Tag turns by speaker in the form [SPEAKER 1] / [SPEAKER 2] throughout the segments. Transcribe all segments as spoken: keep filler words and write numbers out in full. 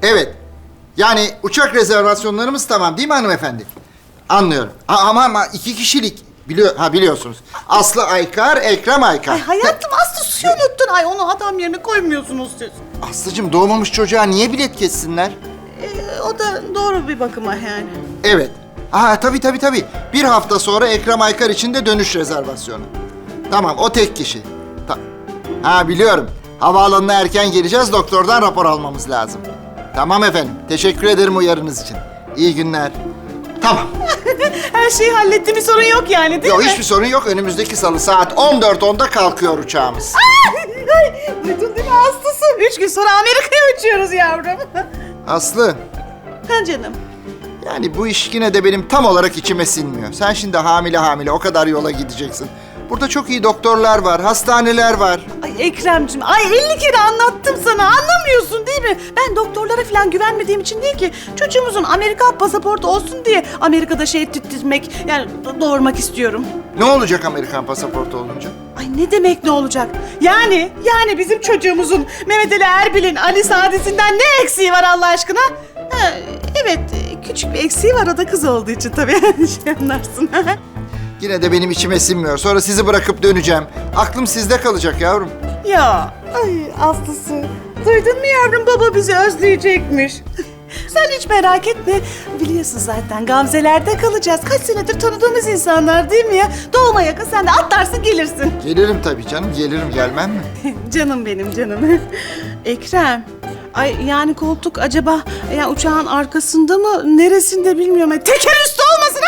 [SPEAKER 1] Evet. Yani uçak rezervasyonlarımız tamam değil mi hanımefendi? Anlıyorum. A- ama ama iki kişilik. Biliyor, ha biliyorsunuz. Aslı Aykar, Ekrem Aykar.
[SPEAKER 2] Ay hayatım Aslı suyu unuttun. Ay onu adam yerine koymuyorsunuz siz.
[SPEAKER 1] Aslıcığım doğmamış çocuğa niye bilet kessinler?
[SPEAKER 2] Ee, o da doğru bir bakıma yani.
[SPEAKER 1] Evet. Aha tabii tabii tabii. Bir hafta sonra Ekrem Aykar için de dönüş rezervasyonu. Tamam o tek kişi. Ta- ha biliyorum. Havaalanına erken geleceğiz. Doktordan rapor almamız lazım. Tamam efendim. Teşekkür ederim uyarınız için. İyi günler. Tamam.
[SPEAKER 2] Her şeyi hallettim, bir sorun yok yani değil
[SPEAKER 1] Yok
[SPEAKER 2] mi?
[SPEAKER 1] hiçbir sorun yok. Önümüzdeki salı saat on dört onda kalkıyor uçağımız.
[SPEAKER 2] Ay, duydun değil mi Aslı'sı? Üç gün sonra Amerika'ya uçuyoruz yavrum.
[SPEAKER 1] Aslı,
[SPEAKER 2] Ha canım.
[SPEAKER 1] yani bu iş yine de benim tam olarak içime sinmiyor. Sen şimdi hamile hamile o kadar yola gideceksin. Burada çok iyi doktorlar var, hastaneler var.
[SPEAKER 2] Ay Ekrem'cim, ay elli kere anlattım sana. Anlamıyorsun değil mi? Ben doktorlara falan güvenmediğim için değil ki. Çocuğumuzun Amerika pasaportu olsun diye Amerika'da şey tüttürmek, yani do- doğurmak istiyorum.
[SPEAKER 1] Ne olacak Amerikan pasaportu olunca?
[SPEAKER 2] Ay ne demek ne olacak? Yani, yani bizim çocuğumuzun Mehmet Ali Erbil'in Ali Sadisi'nden ne eksiği var Allah aşkına? Ha, evet, küçük bir eksiği var, o da kız olduğu için tabii. Şey anlarsın.
[SPEAKER 1] Yine de benim içime sinmiyor. Sonra sizi bırakıp döneceğim. Aklım sizde kalacak yavrum.
[SPEAKER 2] Ya, ay Aslısı. Duydun mu yavrum, baba bizi özleyecekmiş. Sen hiç merak etme. Biliyorsun zaten Gamze'lerde kalacağız. Kaç senedir tanıdığımız insanlar değil mi ya? Doğuma yakın sen de atlarsın gelirsin.
[SPEAKER 1] Gelirim tabii canım, gelirim gelmem mi?
[SPEAKER 2] Canım benim canım. Ekrem. Ay yani koltuk acaba ya uçağın arkasında mı neresinde bilmiyorum. Ay, teker üstü olmasın.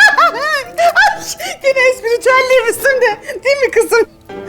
[SPEAKER 2] Ay, gene espritüelliğimizsin de değil mi kızım?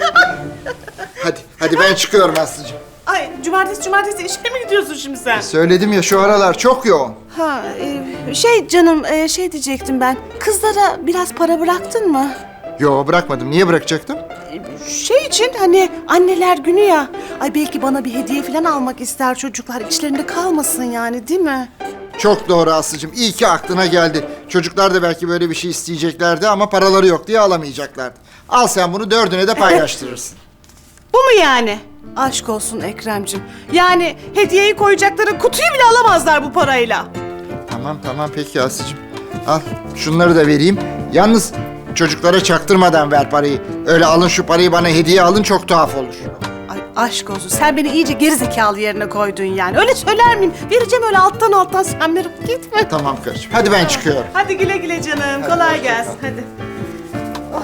[SPEAKER 1] Hadi, hadi ben çıkıyorum Aslı'cığım.
[SPEAKER 2] Ay cumartesi cumartesi işe mi gidiyorsun şimdi sen?
[SPEAKER 1] Söyledim ya şu aralar çok yoğun.
[SPEAKER 2] Ha e, şey canım e, şey diyecektim ben. Kızlara biraz para bıraktın mı?
[SPEAKER 1] Yo bırakmadım. Niye bırakacaktım?
[SPEAKER 2] Şey için hani anneler günü ya. Ay belki bana bir hediye falan almak ister çocuklar. İçlerinde kalmasın yani değil mi?
[SPEAKER 1] Çok doğru Aslı'cığım. İyi ki aklına geldi. Çocuklar da belki böyle bir şey isteyeceklerdi ama paraları yok diye alamayacaklardı. Al sen bunu dördüne de paylaştırırsın.
[SPEAKER 2] Bu mu yani? Aşk olsun Ekrem'cim. Yani hediyeyi koyacakları kutuyu bile alamazlar bu parayla.
[SPEAKER 1] Tamam tamam peki Aslı'cığım. Al şunları da vereyim. Yalnız çocuklara çaktırmadan ver parayı. Öyle alın şu parayı bana hediye alın çok tuhaf olur.
[SPEAKER 2] Ay aşk olsun. Sen beni iyice gerizekalı yerine koydun yani. Öyle söyler miyim? Vereceğim öyle alttan alttan, sen merak etme.
[SPEAKER 1] Tamam karıcığım. Hadi ben çıkıyorum.
[SPEAKER 2] Hadi güle güle canım. Kolay gelsin. Hadi. Oh.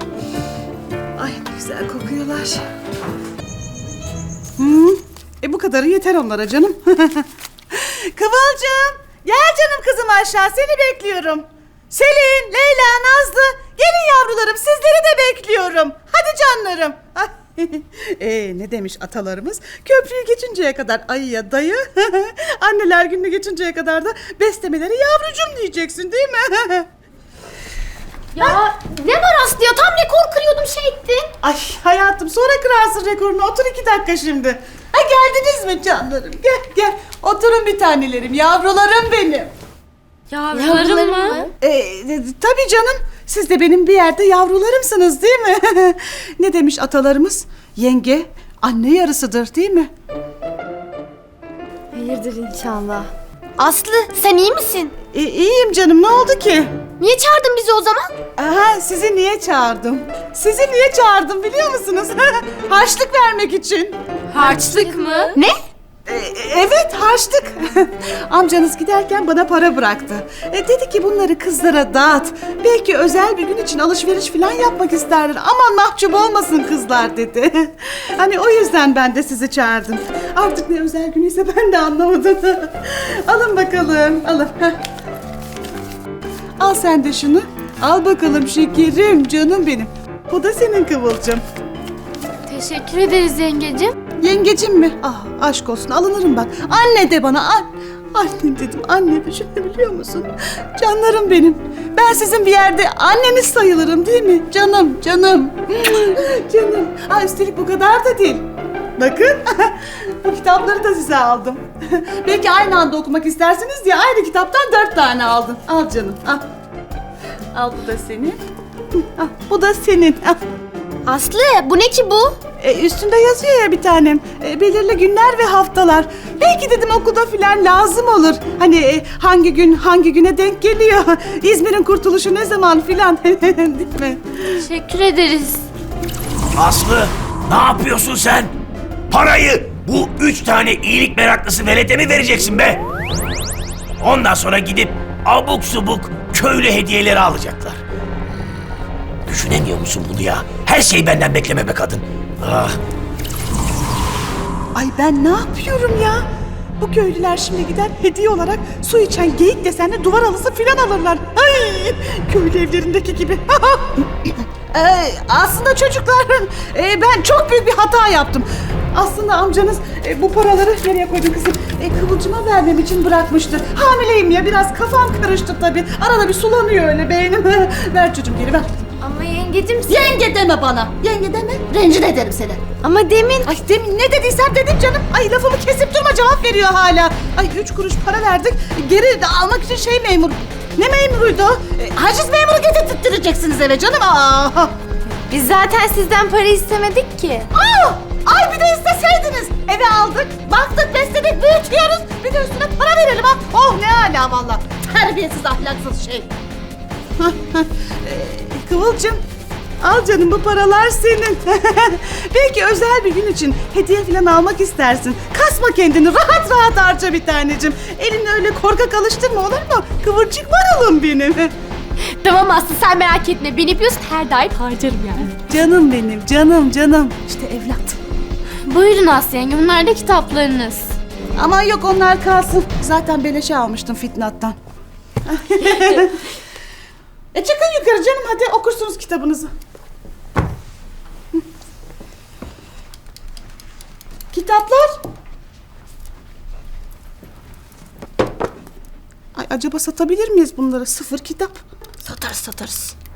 [SPEAKER 2] Ay ne güzel kokuyorlar. Hmm. E bu kadarı yeter onlara canım. Kıvılcım. Gel canım kızım aşağı. Seni bekliyorum. Selin, Leyla, Nazlı. Gelin yavrularım. Sizleri de bekliyorum. Hadi canlarım. Ee, ne demiş atalarımız? Köprüyü geçinceye kadar ayıya dayı, anneler gününü geçinceye kadar da beslemeleri yavrucum diyeceksin değil mi?
[SPEAKER 3] Ya ne var Aslı ya? Tam rekor kırıyordum şey ettin.
[SPEAKER 2] Ay hayatım sonra kırarsın rekorunu. Otur iki dakika şimdi. Ha geldiniz mi canlarım? Gel gel. Oturun bir tanelerim. Yavrularım benim.
[SPEAKER 3] Yavrularım mı?
[SPEAKER 2] Ee, e, tabii canım. Siz de benim bir yerde yavrularımsınız değil mi? Ne demiş atalarımız? Yenge anne yarısıdır değil mi?
[SPEAKER 3] Hayırdır inşallah. Aslı sen iyi misin?
[SPEAKER 2] E, iyiyim canım. Ne oldu ki?
[SPEAKER 3] Niye çağırdın bizi o zaman?
[SPEAKER 2] Aha, sizi niye çağırdım? Sizi niye çağırdım biliyor musunuz? Harçlık vermek için.
[SPEAKER 3] Harçlık mı? Ne?
[SPEAKER 2] E, evet, harçlık. Amcanız giderken bana para bıraktı. E, dedi ki bunları kızlara dağıt. Belki özel bir gün için alışveriş falan yapmak isterler. Aman mahcup olmasın kızlar dedi. Hani o yüzden ben de sizi çağırdım. Artık ne özel günüyse ben de anlamadım. Alın bakalım, alın. Heh. Al sen de şunu. Al bakalım şekerim, canım benim. Bu da senin Kıvılcım.
[SPEAKER 3] Teşekkür ederiz yengecim.
[SPEAKER 2] Yengecim mi? Ah aşk olsun alınırım ben. Anne de bana. An anne dedim. Anne düşünebiliyor musun? Canlarım benim. Ben sizin bir yerde anneniz sayılırım değil mi? Canım, canım. Canım. Ha, üstelik bu kadar da değil. Bakın. Bu kitapları da size aldım. Belki aynı anda okumak istersiniz diye aynı kitaptan dört tane aldım. Al canım. Al. Al bu da senin. Al, bu da senin. Al.
[SPEAKER 3] Aslı bu ne ki bu?
[SPEAKER 2] E, üstünde yazıyor ya bir tanem. E, belirli günler ve haftalar. Belki dedim okulda filan lazım olur. Hani e, hangi gün hangi güne denk geliyor. İzmir'in kurtuluşu ne zaman filan. Değil mi?
[SPEAKER 3] Teşekkür ederiz.
[SPEAKER 4] Aslı, ne yapıyorsun sen? Parayı bu üç tane iyilik meraklısı velete mi vereceksin be? Ondan sonra gidip abuk subuk köylü hediyeleri alacaklar. Düşünemiyor musun bunu ya? Her şeyi benden bekleme be kadın. Ah.
[SPEAKER 2] Ay ben ne yapıyorum ya? Bu köylüler şimdi gider hediye olarak su içen geyik desenli duvar halısı filan alırlar. Ay köylü evlerindeki gibi. Ee, aslında çocuklar e, ben çok büyük bir hata yaptım. Aslında amcanız e, bu paraları nereye koydun kızım? E, Kıvılcım'a vermem için bırakmıştı. Hamileyim ya biraz kafam karıştı tabii. Arada bir sulanıyor öyle beynim. Ver çocuğum geri ver.
[SPEAKER 3] Ama yengecim sen...
[SPEAKER 2] Yenge deme bana. Yenge deme. Rencide ederim seni.
[SPEAKER 3] Ama demin...
[SPEAKER 2] Ay demin ne dediysem dedim canım. Ay lafımı kesip durma cevap veriyor hala. Ay üç kuruş para verdik. Geri de almak için şey memur. Ne memuruydu o? E, haciz memuru getirttireceksiniz eve canım. Aa.
[SPEAKER 3] Biz zaten sizden para istemedik ki.
[SPEAKER 2] Aa! Ay bir de isteseydiniz. Eve aldık, baktık, besledik, büyütüyoruz. Bir de üstüne para verelim ha. Oh ne hala valla. Terbiyesiz ahlaksız şey. Ee, Kıvılcım, al canım bu paralar senin. Belki özel bir gün için hediye falan almak istersin. Kasma kendini, rahat rahat harca bir tanecim. Elini öyle korkak alıştırma olur mu? Kıvırcık maralım benim.
[SPEAKER 3] Tamam Aslı sen merak etme. Beni biliyorsun her daim harcarım yani.
[SPEAKER 2] Canım benim, canım canım. İşte evlat.
[SPEAKER 3] Buyurun Aslı yenge bunlar da kitaplarınız.
[SPEAKER 2] Aman yok onlar kalsın. Zaten beleşe almıştım Fitnat'tan. e çıkın yukarı canım hadi okursunuz kitabınızı. Hı. Kitaplar. Ay acaba satabilir miyiz bunları? Sıfır kitap.
[SPEAKER 3] Satarız satarız.